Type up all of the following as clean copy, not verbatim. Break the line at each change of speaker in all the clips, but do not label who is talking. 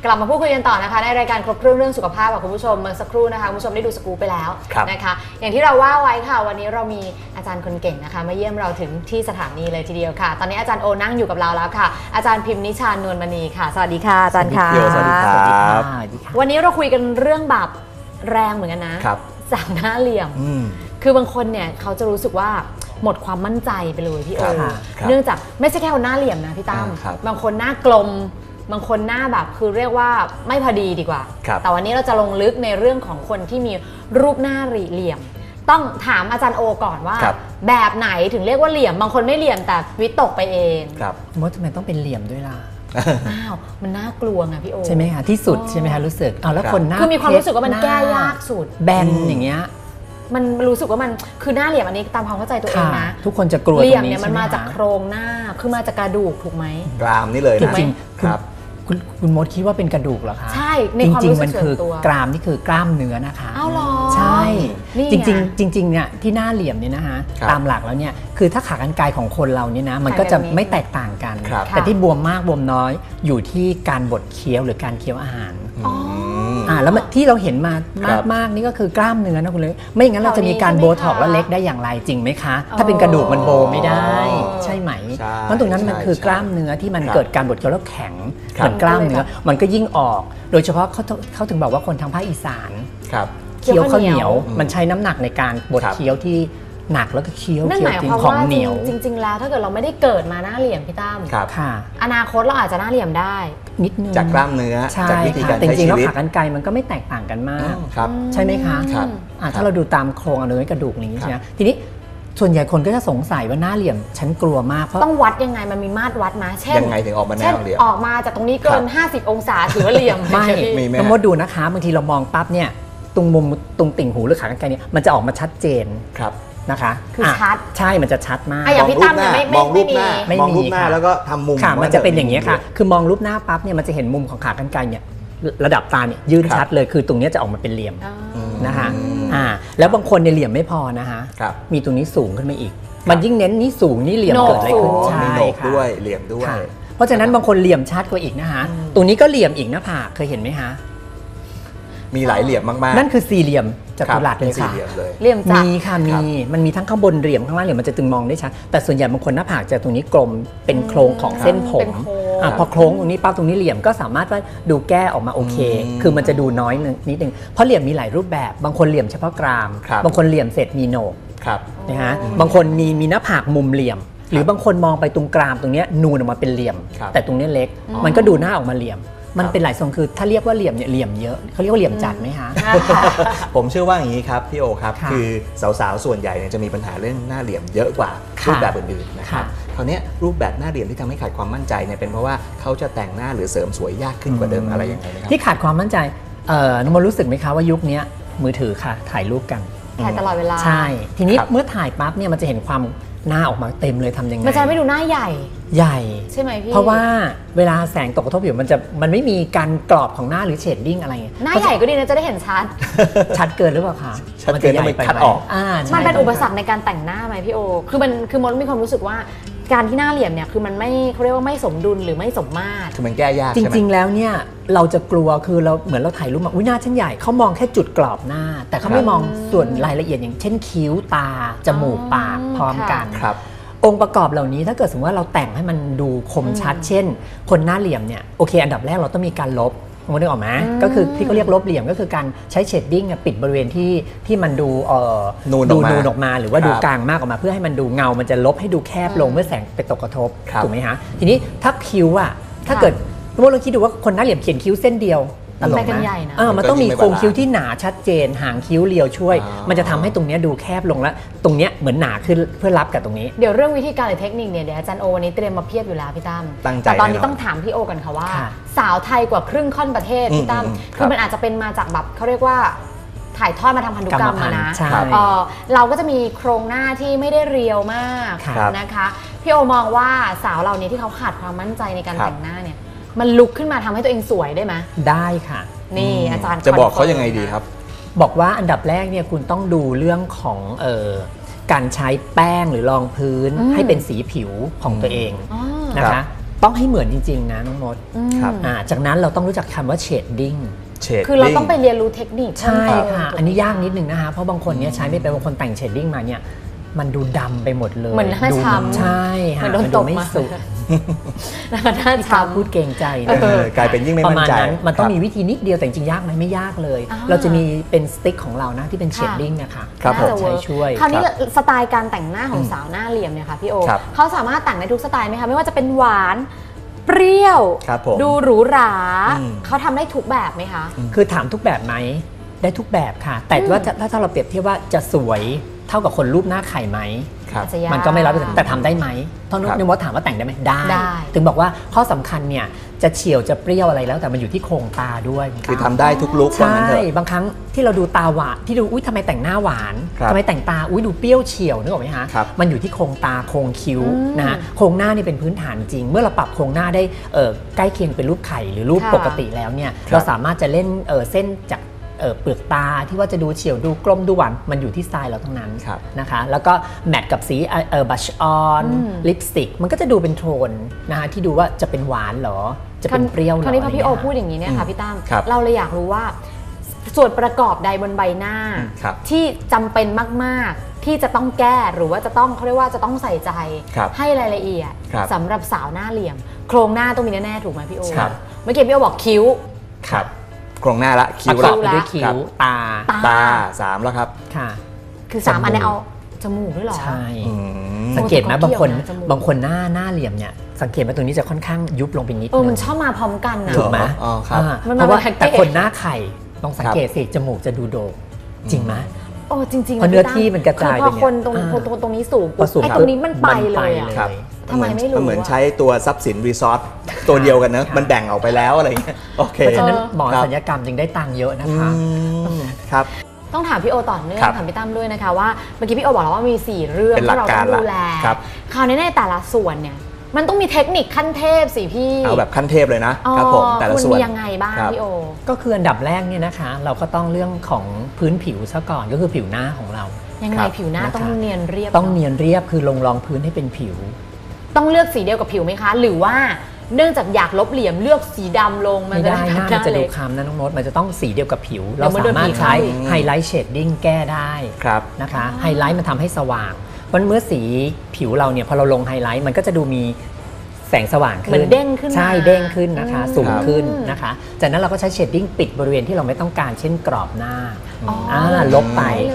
ลับมาพูดคุยกันต่อนะคะในรายการครบเครื่องสุขภาพกับคุณผู้ชมเมื่อสักครู่นะคะคุณผู้ชมได้ดูสกู๊ปไปแล้วนะคะอย่างที่เราว่าไว้ค่ะวันนี้เรามีอาจารย์คนเก่งนะคะมาเยี่ยมเราถึงที่สถานีเลยทีเดียวค่ะตอนนี้อาจารย์โอนั่งอยู่กับเราแล้วค่ะอาจารย์พิมพ์นิชานวลมณีค่ะสวัสดีค่ะอาจารย์ค่ะ
สวัสดีครับ
วันนี้เราคุยกันเรื่องแบบแรงเหมือนกันนะจากหน้าเหลี่ยมคือบางคนเนี่ยเขาจะรู้สึกว่าหมดความมั่นใจไปเลยพี่โอเนื่องจากไม่ใช่แค่คนหน้าเหลี่ยมนะพี่ตั้มบางคนหน้ากลมบางคนหน้าแบบคือเรียกว่าไม่พอดีดีกว่าแต่วันนี้เราจะลงลึกในเรื่องของคนที่มีรูปหน้าเหลี่ยมต้องถามอาจารย์โอก่อนว่าแบบไหนถึงเรียกว่าเหลี่ยมบางคนไม่เหลี่ยมแต่วิตกไปเอง
มดทำไมต้องเป็นเหลี่ยมด้วยล่ะ
อ้าวมันน่ากลัวไงพี่โอ
ใช่ไหมคะที่สุดใช่ไหมคะรู้สึกแล้วคนหน้า
คือมีความรู้สึกว่ามันแก้ยากสุด
แบนอย่างเงี้ย
มันรู้สึกว่ามันคือหน้าเหลี่ยมอันนี้ตามความเข้าใจตัวเองนะ
ทุกคนจะกลัว
เหลี่ยมเนี่ยมันมาจากโครงหน้าคือมาจากกระดูกถูกไหม
กรามนี่เลย
จริงๆครับคุณมดคิดว่าเป็นกระดูกเหรอคะ
ใช่ในความรู้สึกส่วนตัว
กรามนี่คือกล้ามเนื้อนะคะ
อ้าวเหรอ
ใช่จริงเนี่ยที่หน้าเหลี่ยมเนี่ยนะคะตามหลักแล้วเนี่ยคือถ้าขากรรไกรของคนเราเนี่ยนะมันก็จะไม่แตกต่างกันแต่ที่บวมมากบวมน้อยอยู่ที่การบดเคี้ยวหรือการเคี้ยวอาหารแล้วที่เราเห็นมามากๆนี่ก็คือกล้ามเนื้อนะคุณเลยไม่งั้นเราจะมีการโบท็อกซ์และเล็กได้อย่างไรจริงไหมคะถ้าเป็นกระดูกมันโบไม่ได้ใช่ไหมเพราะตรงนั้นมันคือกล้ามเนื้อที่มันเกิดการบดเคี้ยวแล้วแข็งเหมือนกล้ามเนื้อมันก็ยิ่งออกโดยเฉพาะเขาถึงบอกว่าคนทางภาคอีสานเคี้ยวข้าวเหนียวมันใช้น้ำหนักในการบดเคี้ยวที่หนักแล้วก็เคี้ยว
จริงของเหนียวจริงๆแล้วถ้าเกิดเราไม่ได้เกิดมาหน้าเหลี่ยมพี่ตั้มอนาคตเราอาจจะหน้าเหลี่ยมได้
นิดนึง
จากกล้ามเนื้อจากวิธีการ
ใช้ชีวิตจริงๆแล้วขากรรไกรมันก็ไม่แตกต่างกันมากใช่ไหมคะถ้าเราดูตามโครงเนื้อกระดูกนี้ใช่ไหมทีนี้ส่วนใหญ่คนก็จะสงสัยว่าหน้าเหลี่ยมฉันกลัวมากเพราะ
ต้องวัดยังไงมันมีมาตรวัดนะเช่น
ยังไงถึงออกมาหน้าเหลี่ยม
ออกมาจากตรงนี้เกิน50องศาถือว่าเหลี่ยม
ไม่ต้องมาดูนะคะบางทีเรามองปั๊บเนี่ยตรงมุมตรงติ่งหูหรือขากรรไกรเนี่ยมันจะออกมาชัดเจนนะคะ
คือชัด
ใช่มันจะชัดมาก
อย่างพี่ตั้มเนี่ย
มองรูปหน้าแล้วก็ทำมุม
ค่ะมันจะเป็นอย่างนี้ค่ะคือมองรูปหน้าปั๊บเนี่ยมันจะเห็นมุมของขากรรไกรเนี่ยระดับตาเนี่ยยื่นชัดเลยคือตรงนี้จะออกมาเป็นเหลี่ยมนะคะแล้วบางคนเนี่ยเหลี่ยมไม่พอนะคะมีตรงนี้สูงขึ้นมาอีกมันยิ่งเน้นนี้สูงนี่เหลี่ยมเกิดอะไรขึ้น
ใช่มีโหนกด้วยเหลี่ยมด้วย
เพราะฉะนั้นบางคนเหลี่ยมชัดกว่าอีกนะคะตรงนี้ก็เหลี่ยมอีกหน้าผากเคยเห็นไหมคะ
มีหลายเหลี่ยมมาก
ๆนั่นคือสี่เหลี่ยมจัตุรัสเลยค่ะ
เหลี่ยมจัตุ
มีค่ะมันมีทั้งข้างบนเหลี่ยมข้างล่างเหลี่ยมมันจะตึงมองได้ชัดแต่ส่วนใหญ่บางคนหน้าผากจะตรงนี้กลมเป็นโครงของเส้นผมพอโครงตรงนี้ปั๊บตรงนี้เหลี่ยมก็สามารถว่าดูแก้ออกมาโอเคคือมันจะดูน้อยนิดนึงเพราะเหลี่ยมมีหลายรูปแบบบางคนเหลี่ยมเฉพาะกรามบางคนเหลี่ยมเสร็จมีโหนกนะฮะบางคนมีหน้าผากมุมเหลี่ยมหรือบางคนมองไปตรงกรามตรงนี้นูนออกมาเป็นเหลี่ยมแต่ตรงนี้เล็กมันก็ดูหน้าออกมาเหลี่ยมมันเป็นหลายทรงคือถ้าเรียกว่าเหลี่ยมเนี่ยเหลี่ยมเยอะเขาเรียกว่าเหลี่ยมจัดไหมคะ
ผมเชื่อว่าอย่างนี้ครับพี่โอครับคือสาวๆส่วนใหญ่เนี่ยจะมีปัญหาเรื่องหน้าเหลี่ยมเยอะกว่ารูปแบบอื่นๆนะครับคราวนี้รูปแบบหน้าเหลี่ยมที่ทำให้ขาดความมั่นใจเนี่ยเป็นเพราะว่าเขาจะแต่งหน้าหรือเสริมสวยยากขึ้นกว่าเดิมอะไรยังไงนะครับ
ที่ขาดความมั่นใจน้องมรู้สึกไหมคะว่ายุคนี้มือถือค่ะถ่ายรูปกัน
ถ่ายตลอดเวลา
ใช่ทีนี้เมื่อถ่ายปั๊บเนี่ยมันจะเห็นความหน้าออกมาเต็มเลยทำยังไง
มันจะไม่ดูหน้าใหญ่ใช่ไหมพี่
เพราะว่าเวลาแสงตกกระทบผิวมันไม่มีการกรอบของหน้าหรือเชดดิ้งอะไร
หน้าใหญ่ก็ดีนะจะได้เห็นชัด
เกินหรือเปล่าคะ
มันจะใหญ่ไปคัดออก
มันเป็นอุปสรรคในการแต่งหน้าไหมพี่โอคือมดมีความรู้สึกว่าการที่หน้าเหลี่ยมเนี่ยคือมันไม่เขาเรียกว่าไม่สมดุลหรือไม่สมมาตร
คือมันแก้ยาก
จริงๆแล้วเนี่ยเราจะกลัวคือเราเหมือนเราถ่ายรูปมาหน้าฉันใหญ่เขามองแค่จุดกรอบหน้าแต่เขาไม่มองส่วนรายละเอียดอย่างเช่นคิ้วตาจมูกปากพร้อมกันองค์ประกอบเหล่านี้ถ้าเกิดสมมติว่าเราแต่งให้มันดูคมชัดเช่นคนหน้าเหลี่ยมเนี่ยโอเคอันดับแรกเราต้องมีการลบนึกออกไหมก็คือที่เขาเรียกลบเหลี่ยมก็คือการใช้เชดดิ้งปิดบริเวณที่มันดู
นูน
ออกมาหรือว่าดูกลางมากออกมาเพื่อให้มันดูเงามันจะลบให้ดูแคบลงเมื่อแสงไปตกกระทบถูกไหมฮะทีนี้ถ้าคิ้วถ้าเกิดเราคิดดูว่าคนหน้าเหลี่ยมเขียนคิ้วเส้นเดียวตลกนะมันต้องมีโครงคิ้วที่หนาชัดเจนหางคิ้วเรียวช่วยมันจะทำให้ตรงนี้ดูแคบลงแล้วตรงนี้เหมือนหนาขึ้นเพื่อรับกับตรงนี้
เดี๋ยวเรื่องวิธีการหรือเทคนิคเนี่ยเดี๋ยวอาจารย์โอวันนี้เตรียมมาเพียบอยู่แล้วพี่ตั้มแต่ตอนนี้ต้องถามพี่โอกันค่ะว่าสาวไทยกว่าครึ่งค่อนประเทศพี่ตั้มคือมันอาจจะเป็นมาจากแบบเขาเรียกว่าถ่ายทอดมาทางพันธุกรรมนะเราก็จะมีโครงหน้าที่ไม่ได้เรียวมากนะคะพี่โอมองว่าสาวเรานี้ที่เขาขาดความมั่นใจในการแต่งหน้าเนี่ยมันลุกขึ้นมาทำให้ตัวเองสวยได้ไหม
ได้ค่ะ
นี่อาจารย์
จะบอกเขายังไงดีครับ
บอกว่าอันดับแรกเนี่ยคุณต้องดูเรื่องของการใช้แป้งหรือรองพื้นให้เป็นสีผิวของตัวเองนะคะต้องให้เหมือนจริงๆนะน้องมด
ครับ
จากนั้นเราต้องรู้จักคำว่าเชดดิ้ง
คือเราต้องไปเรียนรู้เทคนิค
ใช่ค่ะอันนี้ยากนิดนึงนะคะเพราะบางคนเนี่ยใช้ไม่เป็นบางคนแต่งเชดดิ้งมาเนี่ยมันดูดำไปหมดเลย
เหมือนหน้าช้ำ
ใช่ค่ะ
เหมือนโดน
มัน
ต
ดู
บ
ไม่
มา
สุด
หน้า
ที่
ช้ำ
พูดเกรงใจนะ
กลายเป็นยิ่งไม่
ประ
มั่น
มาณ
ใจ
นั้นมันต้อง
ครับ
มีวิธีนิดเดียวแต่จริงๆยากไหมไม่ยากเลย
อ่า
เราจะมีเป็นสติ๊กของเรานะที่เป็นเชดดิ้งนะคะ
ครับผม
น่าจะเวิร์ก
ใช้ช่วย
คราวนี้สไตล์การแต่งหน้าของสาวหน้าเหลี่ยมเนี่ยค่ะพี่โอ
ครับ
เขาสามารถแต่งได้ทุกสไตล์ไหมคะไม่ว่าจะเป็นหวานเปรี้ยว
ครับผม
ดูหรูหรา
อืม
เขาทำได้ทุกแบบไหมคะ
คือถามทุกแบบไหมได้ทุกแบบค่ะ แต่ว่าถ้าเราเปรียบเทียบว่าจะสวยเท่ากับคนรูปหน้าไข่ไหม
ครับ
อาจจะยาก
มันก็ไม่100%แต่ทำได้ไหมตอน
ครับ
นึกว่าถามว่าแต่งได้ไหมได้
ได้
ถึงบอกว่าข้อสำคัญเนี่ยจะเฉียวจะเปรี้ยวอะไรแล้วแต่มันอยู่ที่โครงตาด้วย
คือทำได้ทุกลุคว่า
ใช่
งั้นเถอะ
บางครั้งที่เราดูตาหวานที่ดูอุ้ยทำไมแต่งหน้าหวาน
ครับ
ทำไมแต่งตาอุ้ยดูเปรี้ยวเฉียวนึกออกไหมฮะ
ครับ
มันอยู่ที่โครงตาโครงคิ้วนะฮะโครงหน้านี่เป็นพื้นฐานจริง เมื่อเราปรับโครงหน้าได้ใกล้เคียงเป็นรูปไข่หรือรูป
ค่ะ
ปกติแล้วเนี่ยเราสามารถจะเล่นเส้นจากเปลือกตาที่ว่าจะดูเฉียวดูกลมดูหวานมันอยู่ที่สไตล์เราทั้งนั้น
ครับ
นะคะแล้วก็แมทกับสีบัชออนลิปสติกมันก็จะดูเป็นโทนนะคะที่ดูว่าจะเป็นหวานเหรอจะเป็นเปรี้ยวเหรอ
คราวนี้พอพี่โอ
อะไรเงี้ย
พูดอย่างนี้เนี่ยค่ะพี่ตั้ม
ครับ
เราเลยอยากรู้ว่า ส่วนประกอบใดบนใบหน้า
ครับ
ที่จำเป็นมากๆ ที่จะต้องแก้หรือว่าจะต้องเขาเรียกว่าจะต้องใส่ใจ
ครับ
ให้รายละเอียด
ครับ
สำหรับสาวหน้าเหลี่ยม โครงหน้าต้องมีแน่ๆถูกไหมพี่โอ
ครับ
เมื่อกี้พี่โอบอกคิ้ว
ครับโครงหน้าละคิ้
ป
ว
ระกอ
ละ
บไปด้วยคิ้
ครั
ว
บ
ตา
ตา3แล้วครับ
ค่ะ
คือ3อันเนี้เอาจมูกด้วยเหรอ
ใช่
อืม
สังเกตไหม
โอ้แต่ก็
บางคน
เกี่ยวนะจมูก
บางคนหน้าเหลี่ยมเนี่ยสังเกตว่าตรงนี้จะค่อนข้างยุบลงไปนิด
มัน
นึง
ชอบมาพร้อมกันนะ
ถูกไหม
อ๋อครับ
มัน
เพราะว่า
เป็นแพ็กเกจ
แต่คนหน้าไข่ลองสังเกตสิจมูกจะดูโด่งจริงไหม
โอ้จริงๆ
เพราะเนื้อที่มันกระจาย
คือพอ
ไปเนี่ย
คนตรง
อ่า
ตรงนี้สูง
พอสูง
ไอ้ตรงนี้มันไปเลยอะ
ครับ
ทำไมไม่รู้
เหมือน
อะ
ใช้ตัวทรัพย์สินรีสอร์ทตัวเดียวกันเนอะ
ค่ะ
มันแบ่งออกไปแล้วอะไรอย่างเงี้ยโอเค
เพราะฉะนั้นหมอ
ครับ
ศัลยกรรมจึงได้ตังค์เยอะนะคะ
ครับ
ต้องถามพี่โอต่อเนื่อง
ครับ
ถามพี่ตั้มด้วยนะคะว่าเมื่อกี้พี่โอบอกแล้วว่ามี 4 เรื่อง
เป็นหลั
ที่
ก
เรา
การ
ต้องดูแล
ครับ
คราวนี้ในแต่ละส่วนเนี่ยมันต้องมีเทคนิคขั้นเทพสิพี่
เอาแบบขั้นเทพเลยนะ
อ๋อ
ครับผมแต่ละ
มัน
ส่วน
มียังไงบ้าง
ครับ
พี่โอ
ก็คืออันดับแรกเนี่ยนะคะ เราก็ต้องเรื่องของพื้นผิวซะก่อนก็คือผิวหน้าของเรา
ยัง
ค
ไง
รับ
ผิวหน้า
นะคะ
ต้องเนียนเรียบ
ต้องเนียนเรียบคือลงรองพื้นให้เป็นผิว
ต้องเลือกสีเดียวกับผิวไหมคะ หรือว่าเนื่องจากอยากลบเหลี่ยมเลือกสีดำลงมัน
ไม่
จะ
ได้หน้า
ห
มันจะดู
เล็ก
คล้ำนะน้องโน้ตมันจะต้องสีเดียวกับผิว
เดี๋
เรา
ยวมัน
สามารถใช้
โดนผีเข้า
ไฮไลท์เชดดิ้งแก้ได้
ครับ
นะคะไฮไลท์มันทำให้สว่างเพราะเมื่อสีผิวเราเนี่ยพอเราลงไฮไลท์มันก็จะดูมีแสงสว่าง
เหมื
ขึ้
อน นเด้งขึ้นมา
ใช่เด้งขึ้นนะคะ
อืม
สูงขึ้น
ครับ
นะคะจากนั้นเราก็ใช้เชดดิ้งปิดบริเวณที่เราไม่ต้องการเช่นกรอบหน้า
อ๋อ
ลบไป
ได้เลย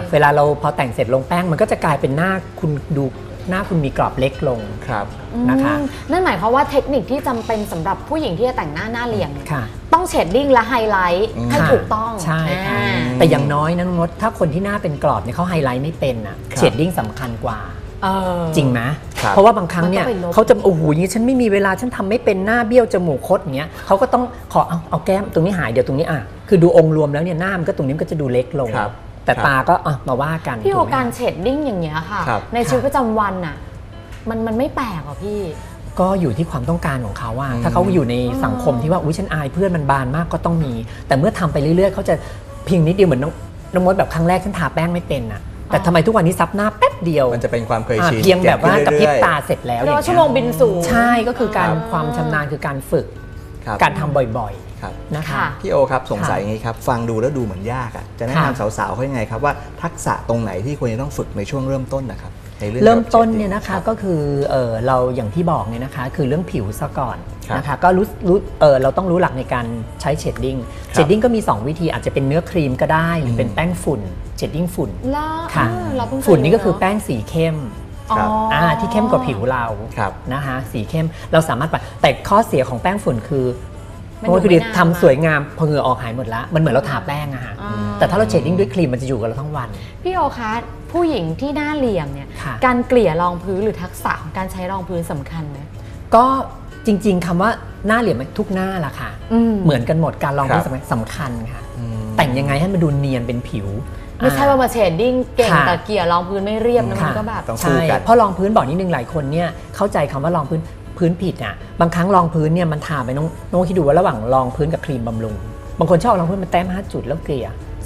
เวลาเราพอแต่งเสร็จลงแป้งมันก็จะกลายเป็นหน้าคุณดูหน้าคุณมีกรอบเล็กลง
ครับ
นะคะ
นั่นหมายความว่าเทคนิคที่จำเป็นสำหรับผู้หญิงที่จะแต่งหน้าเหลี่ยมเนี่ย
ค่ะ
ต้องเชดดิ้งและไฮไลท์ให้
ค่ะ
ถูกต้อง
ใช่ค่ะ
อ่า
แต่อย่างน้อยนะน้องมดถ้าคนที่หน้าเป็นกรอบเนี่ยเขาไฮไลท์ไม่เป็นอ่ะ
ครับ
เชดดิ้งสำคัญกว่า
เออ
จริงไหม
ครับ
เพราะว่าบางครั้งเนี่ย
มันต้องไปลบ
เขาจะโอ้โหอย่างนี้ฉันไม่มีเวลาฉันทำไม่เป็นหน้าเบี้ยวจมูกคดอย่างเงี้ยเขาก็ต้องขอเอาแก้มตรงนี้หายเดี๋ยวตรงนี้คือดูองค์รวมแล้วเนี่ยหน้ามันก็ตรงนี้มันก็จะดูเล็กลง
ครับ
แต่
ครับ
ตาก็มาว่ากัน
พี่โอ
ถูไหม
การเชดดิ้งอย่างเงี้ยค่ะ
ครับ
ในชีวิตประจำวันน่ะมันไม่แปลกหรอพี่
ก็อยู่ที่ความต้องการของเขาว่าถ้าเขาอยู่ในสังคมที่ว่าอุ้ยฉันอายเพื่อนมันบานมากก็ต้องมี แต่เมื่อทำไปเรื่อยๆเขาจะเพียงนิดเดียวเหมือนน้องมดแบบครั้งแรกฉันทาแป้งไม่เป็นอ่ะแต่ทำไมทุกวันนี้ซับหน้าแป๊บเดียว
มันจะเป็นความเคยชิน
เพียงแบบว่า
เบ
กับ
ขึ้น
พริบ
เอยๆ
ตาเสร็จแล้ว
เรียกว่า
อย่างเงี้ย
ชั่วโมงบินสูง
ใช่ก็คือการ
ครับ
ความชำนาญคือการฝึก
ครับ
การทำบ่อย
ครับ
ๆนะคะ
ค่ะ
พี่โอครับสงสัยอย่างนี้ครับฟังดูแล้วดูเหมือนยากอ่ะจะแนะนำสาวๆเขายังไงครับว่าทักษะตรงไหนที่ควรจะต้องฝึกในช่วงเริ่มต้นนะครับในอง
เริ่มต้นเนี่ย
แบบ
นะคะ
รับ
ก็คือเราอย่างที่บอกเนี่ยนะคะคือเรื่องผิวซะก่อน
ครับ
นะคะก็เราต้องรู้หลักในการใช้เชดดิ้ง
ครับ
เชดดิ้งก็มี 2 วิธีอาจจะเป็นเนื้อครีมก็ได้หรือเป็นแป้งฝุ่นเชดดิ้งฝุ่น
แล้ว
ค่ะ
เราเพิ่งเคย
ฝุ่นนี่ก็คือ
รู้เะ
แป้งสีเข้ม
ครับ
อ๋อ
ที่เข้มกว่าผิวเรา
ครับ
นะคะสีเข้มเราสามารถปะแต่ข้อเสียของแป้งฝุ่นคือ
มัน
โอ้ย
อยู่
คือ
ไม่นาน
ทำสวยงามพอเหงื่อออกหายหมดแล้วมันเหมือนเราทาแป้งอะฮะ
อ่า
แต่ถ้าเราเชดดิ้งด้วยครีมมันจะอยู่กับเราทั้งวัน
พี่โอคะผู้หญิงที่หน้าเหลี่ยมเนี่ย
ค่ะ
การเกลี่ยรองพื้นหรือทักษะของการใช้รองพื้นสำคัญไหม
ก็จริงๆคำว่าหน้าเหลี่ยมทุกหน้าล่ะค่ะ เหมือนกันหมดการลองพื้นสำคัญค่ะ แต่งยังไงให้มันดูเนียนเป็นผิว
ไม่ใช่ว่ามาเชดดิ้งเก่ง
ค่ะ
แต่เกลี่ยรองพื้นไม่เรียบนะมัน
ค่ะ
ก็แบบ
ต้อง สู้
ใช่
กัน
เพราะรองพื้นบอกนิดนึงหลายคนเนี่ยเข้าใจคำว่ารองพื้นผิดอ่ะบางครั้งรองพื้นเนี่ยมันทาไปน้องคิดดูว่าระหว่างรองพื้นกับครีมบำรุงบางคนชอบรองพื้นมันแต้ม5 จุดแล้วเกลี่ยเส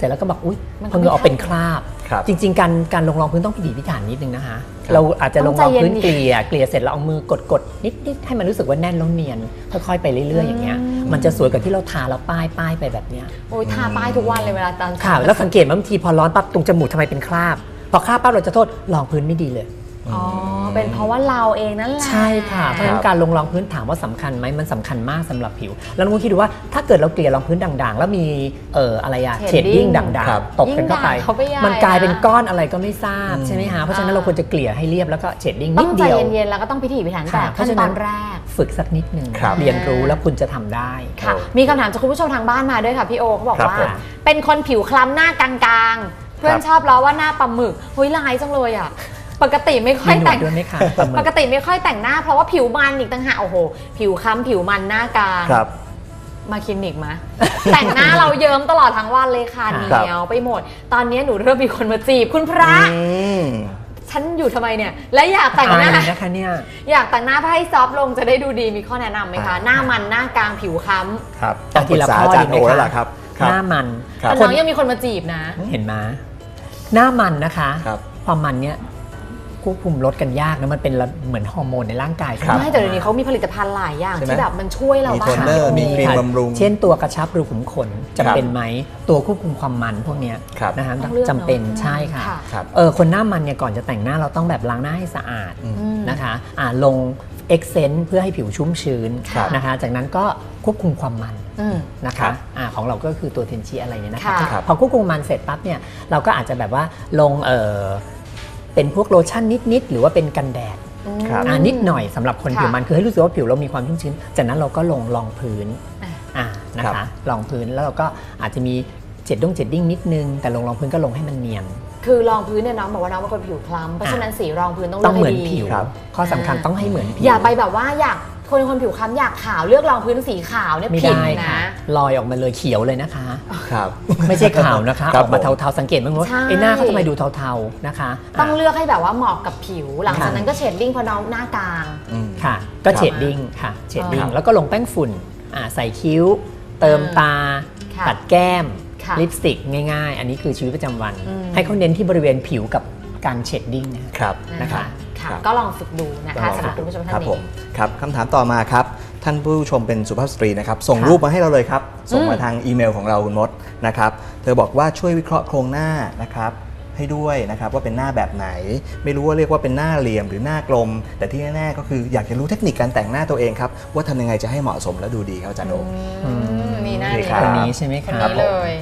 ร็จแล้วก็บอกอุ๊ย
มันก็
พอเหงื่อออกเป็นคราบ
ครับ
จริงๆการลงรองพื้นต้องพิถีพิถันนิดนึงนะคะเราอาจจะลงรองพื้นเกลี่ยเสร็จแล้วเอามือกดนิดให้มันรู้สึกว่าแน่นแล้วเนียนค่อยๆไปเรื่อยๆอย่างเงี้ยมันจะสวยกว่าที่เราทาแล้วป้ายไปแบบเนี้ย
โอ้ยทาป้ายทุกวันเลยเวลาตอน
ค่ะแล้วสังเกตว่าบางทีพอร้อนปั๊บตรงจมูกทำไมเป็นคราบพอคราบปั๊บเราจะโทษรองพื้นไม่ดีเลย
อ๋อเป็นเพราะว่าเราเองนั่นแหละ
ใช่ค่ะเพราะฉะนั้นการลงรองพื้นถามว่าสำคัญไหมมันสำคัญมากสำหรับผิวแล้วน้องคิดดูว่าถ้าเกิดเราเกลี่ยรองพื้นด่างๆแล้วมีอะไรอะเชดดิ้งด่างๆตกกันเข้าไปมันกลายเป็นก้อนอะไรก็ไม่ทราบใช่ไหมคะเพราะฉะนั้นเราควรจะเกลี่ยให้เรียบแล้วก็เชดดิ้งนิดเดียว
ต้องใจเย็นๆแล้วก็ต้องพิถีพิถันแต่ขั้นตอนแรก
ฝึกสักนิดนึงเรียนรู้แล้วคุณจะทำได้
ค่ะมีคำถามจากคุณผู้ชมทางบ้านมาด้วยค่ะพี่โอเขาบอกว่าเป็นคนผิวคล้ำหน้ากลางๆเพื่อนชอบล้อว่าหน้าปลาหมึกเฮ้ยลายจังเลยอ่ะปกติไม่ค่อยแต่งปกติไม่ค่อยแต่งหน้าเพราะว่าผิวมันอีกต่างหากโอ้โหผิวคล้ำผิวมันหน้ากลางมาคลินิกมา แต่งหน้าเราเยิ้มตลอดทั้งวันเลยค่ะเหนียวไปหมดตอนนี้หนูเริ่มมีคนมาจีบคุณพระฉันอยู่ทำไมเนี่ยและอยากแต่งหน้า
นะคะเนี่ย
อยากแต่งหน้าเพื่อให้ซอฟต์ลงจะได้ดูดีมีข้อแนะนำไหมคะหน้ามันหน้ากลางผิวคล้ำ
ครับต้องปรึกษาอาจารย์โอแล้วล่ะครับ
หน้ามัน
แต่น้องยังมีคนมาจีบนะ
เห็นไหมหน้ามันนะคะความมันเนี่ยควบคุมลดกันยากนะมันเป็นเหมือนฮอร์โมนในร่างกาย
ไม่แต่เดี๋ยวนี้เขามีผลิตภัณฑ์หลายอย่างที่แบบมันช่วยเราบ้าง
มีโทนเนอร์มีครีมบำรุง
เช่นตัวกระชับรูขุมขนจำเป็นไหมตัวควบคุมความมันพวกนี้นะคะจำเป็นใช่ค่ะคนหน้ามันเนี่ยก่อนจะแต่งหน้าเราต้องแบบล้างหน้าให้สะอาดนะคะลงเอ็กเซนต์เพื่อให้ผิวชุ่มชื้นนะคะจากนั้นก็ควบคุมความมันนะคะของเราก็คือตัวเทนชีอะไรเนี่ยนะคะพอควบคุมมันเสร็จปั๊บเนี่ยเราก็อาจจะแบบว่าลงเป็นพวกโลชั่นนิดๆหรือว่าเป็นกันแดดนิดหน่อยสำหรับคนผิวมันคือให้รู้สึกว่าผิวเรามีความชุ่มชื้นจากนั้นเราก็ลงรองพื้นนะคะรองพื้นแล้วเราก็อาจจะมีเจ็ดดิ้งนิดนึงแต่ลงรองพื้นก็ลงให้มันเนียน
คือรองพื้นเนี่ยน้องบอกว่าน้องเป็นคนผิวคล้ำเพราะฉะนั้นสีรองพื้นต้องเลือก
ให้ดีข้อสำคัญต้องให้เหมือนผิว
อย่าไปแบบว่าอยากคนผิวคล้ำอยากขาวเลือกรองพื้นสีขาวเนี่ยผิดนะ
ลอยออกมาเลยเขียวเลยนะคะครับไม่ใช่ขาวนะคะออกมาเทาๆสังเกตไหมว่าไอ้หน้าเขาทำไมดูเทาๆนะคะ
ต้องเลือกให้แบบว่าเหมาะกับผิวหลังจากนั้นก็เชดดิ้งพอน้องหน้ากลาง
ค่ะก็เชดดิ้งค่ะเชดดิ้งแล้วก็ลงแป้งฝุ่นใส่คิ้วเติมตาปัดแก้มลิปสติกง่ายๆอันนี้คือชีวิตประจำวันให้เขาเน้นที่บริเวณผิวกับการเชดดิ้ง
นะคะก็ลองฝึกดูนะคะสำหรับคุณผู้ชมท่านนี้
ครับคำถามต่อมาครับท่านผู้ชมเป็นสุภาพสตรีนะครับส่งรูปมาให้เราเลยครับส่งมาทางอีเมลของเราคุณมดนะครับเธอบอกว่าช่วยวิเคราะห์โครงหน้านะครับให้ด้วยนะครับว่าเป็นหน้าแบบไหนไม่รู้ว่าเรียกว่าเป็นหน้าเหลี่ยมหรือหน้ากลมแต่ที่แน่ๆก็คืออยากจะรู้เทคนิคการแต่งหน้าตัวเองครับว่าทำยังไงจะให้เหมาะสมและดูดีครับอาจารย์โอ
มีหน้า
คนนี้ใช่ไหมครับ
เลย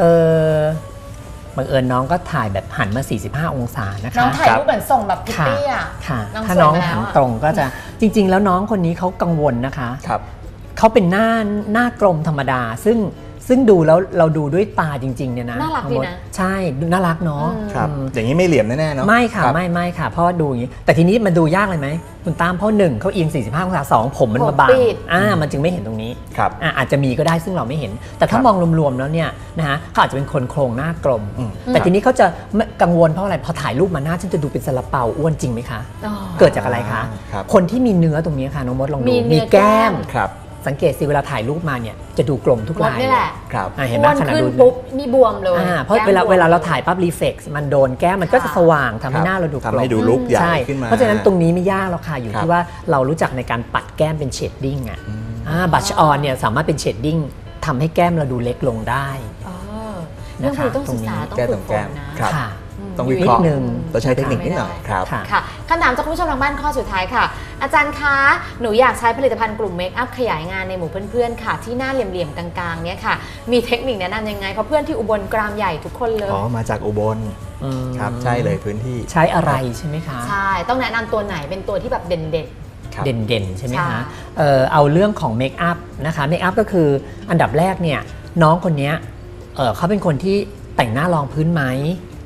บังเอิญน้องก็ถ่ายแบบหันมา45องศานะคะ
น้องถ่ายรูปเหมือนส่งแบบพิตตี้อ่ะ
ถ้าน้องหันตรงก็จะจริงๆแล้วน้องคนนี้เขากังวลนะคะเขาเป็นหน้ากลมธรรมดาซึ่งดูแล้วเราดูด้วยตาจริงๆเนี่ยนะ
น่ารักดีนะ
ใช่น่ารักเนาะ
อย่างนี้ไม่เหลี่ยมแน่ๆเนาะ
ไม่ค่ะไม่ค่ะเพราะดูอย่างนี้แต่ทีนี้มันดูยากเลยไหมคุณตามเพราะ1เขาเอียง45องศา2ผมมันมาบังมันจึงไม่เห็นตรงนี้อาจจะมีก็ได้ซึ่งเราไม่เห็นแต่ถ้ามองรวมๆแล้วเนี่ยนะฮะเขาอาจจะเป็นคนโครงหน้ากลมแต่ทีนี้เขาจะกังวลเพราะอะไรพอถ่ายรูปมาหน้าฉันจะดูเป็นซาลาเปาอ้วนจริงไหมคะเกิดจากอะไรคะคนที่มีเนื้อตรงนี้ค่ะน้องมดลองดูมีแก้มสังเกตสิเวลาถ่ายรูปมาเนี่ยจะดูกลมทุกลาย
นี่แหละ
เห็นไหมขนาดดู
ปุ๊บนี่บวมเลย
เพราะเวลาเราถ่ายปั๊บรีเฟกซ์มันโดนแก้มมันก็จะสว่างทำให้หน้าเราดูกลม
ทำให้ดูลุคใหญ่ขึ้นมา
เพราะฉะนั้นตรงนี้ไม่ยากหรอกค่ะอยู่ที่ว่าเรารู้จักในการปัดแก้มเป็นเชดดิ้งบัชออนเนี่ยสามารถเป็นเชดดิ้งทำให้แก้มเราดูเล็กลงได้
นะคะต้องศึกษาต้องฝึกฝนนะ
ต้องวิเคราะห์ต้องใช้เทคนิคนิดหน่อยครับ
ค่ะคำถามจากคุณผู้ชมทางบ้านข้อสุดท้ายค่ะอาจารย์คะหนูอยากใช้ผลิตภัณฑ์กลุ่มเมคอัพขยายงานในหมู่เพื่อนๆค่ะที่หน้าเหลี่ยมๆกลางๆเนี่ยค่ะมีเทคนิคแนะนำยังไงเพราะเพื่อนที่อุบลกรามใหญ่ทุกคนเลย
มาจากอุบลครับใช่เลยพื้นที่
ใช้อะไรใช่ไหมคะ
ใช่ต้องแนะนำตัวไหนเป็นตัวที่แบบเด่นๆเ
ด่นๆใช่ไหมคะเอาเรื่องของเมคอัพนะคะเมคอัพก็คืออันดับแรกเนี่ยน้องคนนี้เขาเป็นคนที่แต่งหน้ารองพื้นไหม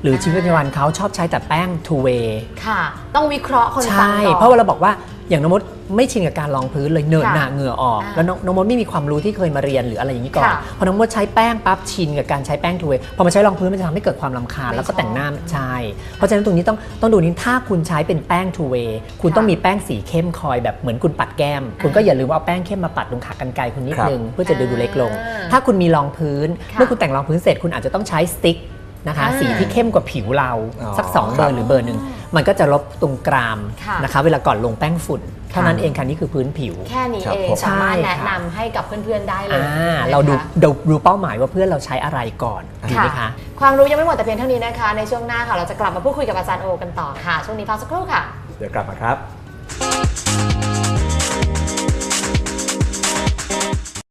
หรือชีวิตประจำวันเขาชอบใช้แต่แป้ง two way
ค่ะ ต้องวิเคราะห์คนฟัง
ใช่
ก่อน
เพราะว่าเราบอกว่าอย่างน้องมดไม่ชินกับการรองพื้นเลยเหนอะหนาเหงื่อออก
อ่า
แล้วน้องมดไม่มีความรู้ที่เคยมาเรียนหรืออะไรอย่างนี้ก่อน
ค่ะ
พอน้องมดใช้แป้งปั๊บชินกับการใช้แป้งทูเวย์พอมาใช้รองพื้นมันจะทำให้เกิดความรำคาญ
ไม่
แล้วก็แต่งหน้า
ชอบ
ใช่เพราะฉะนั้นตรงนี้ต้องดูนี้ถ้าคุณใช้เป็นแป้งทูเวย์คุณ
ค่ะ
ต้องมีแป้งสีเข้มคอยแบบเหมือนคุณปัดแก้ม คุณก็อย่าลืมว่าเอาแป้งเข้มมาปัดตรงขากรรไกรคุณนิดนึงเพื่อจะดูเล็กลง ถ้าคุณมีรองพื้น
ค่ะ
เมื่อคุณแต่งรองพื้นเสร็จคุณอาจจะต้องใช้สติ๊กนะคะสีที่เข้มกว่าผิวเรา
อ๋อ
สัก2เบอร์หรือเบอร์หนึ่งมันก็จะลบตรงกราม
ค่ะ
นะคะเวลาก่อนลงแป้งฝุ่นเท่านั้นเองค่ะนี่คือพื้นผิว
แค่นี้
ครับ
เอง
ผม
สามารถ
ใช่
แนะ
ค่ะ
นำให้กับเพื่อนๆได้เลย
เราดู
นะคะ
ดูเป้าหมายว่าเพื่อนเราใช้อะไรก่อนดีไหมคะ
ความรู้ยังไม่หมดแต่เพียงเท่านี้นะคะ ในช่วงหน้าค่ะเราจะกลับมาพูดคุยกับอาจารย์โอกันต่อค่ะ ช่วงนี้พักสักครู่ค่ะ
เดี๋ยวกลับมาครับ